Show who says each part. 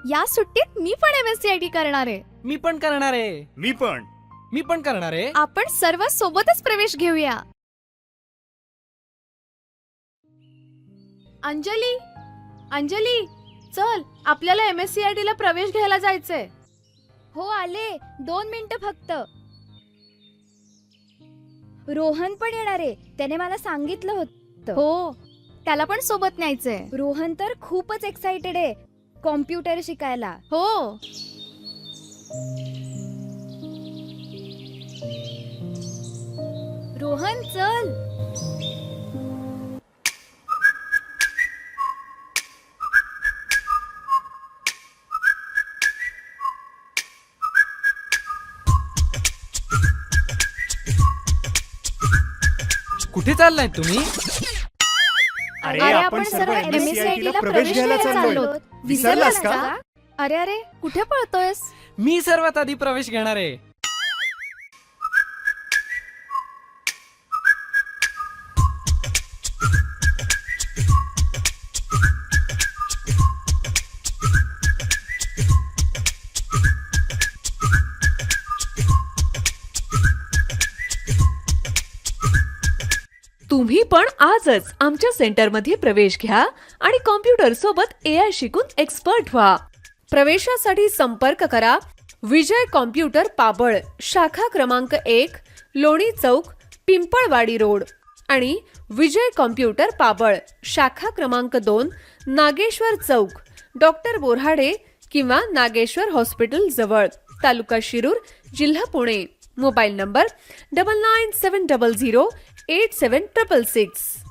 Speaker 1: या सुट्टीत मी पण MSCIT करणार आहे.
Speaker 2: मी पण करणार आहे. मी पण करणार आहे.
Speaker 1: आपण सर्व सोबतच प्रवेश घेऊया. अंजली, अंजली, चल आपल्याला MSCIT ला प्रवेश घ्यायला जायचंय.
Speaker 3: हो आले, 2 मिनिटं फक्त. रोहन पण येणार आहे, त्याने मला सांगितलं होतं.
Speaker 1: हो, त्याला पण सोबत न्यायचंय.
Speaker 3: रोहन तर खूपच एक्साइटेड आहे कॉम्प्युटर शिकायला.
Speaker 1: हो,
Speaker 3: रोहन चल.
Speaker 2: कुठे चाललाय तुम्ही?
Speaker 3: अरे आपण सर्व MSCIT ला प्रवेश घ्यायला चाललो.
Speaker 1: विसरलास का? अरे अरे, कुठे पळतोयस?
Speaker 2: मी सर्वात आधी प्रवेश घेणार आहे.
Speaker 4: तुम्ही पण आजच आमच्या सेंटरमध्ये प्रवेश घ्या आणि कॉम्प्युटर सोबत AI शिकून एक्सपर्ट व्हा. प्रवेशासाठी संपर्क करा विजय कॉम्प्युटर पाबळ, शाखा क्रमांक 1, लोणी चौक, पिंपळवाडी रोड आणि विजय कॉम्प्युटर पाबळ, शाखा क्रमांक 2, नागेश्वर चौक, डॉक्टर बोऱ्हाडे किंवा नागेश्वर हॉस्पिटल जवळ, तालुका शिरूर, जिल्हा पुणे. Mobile number 9970087666.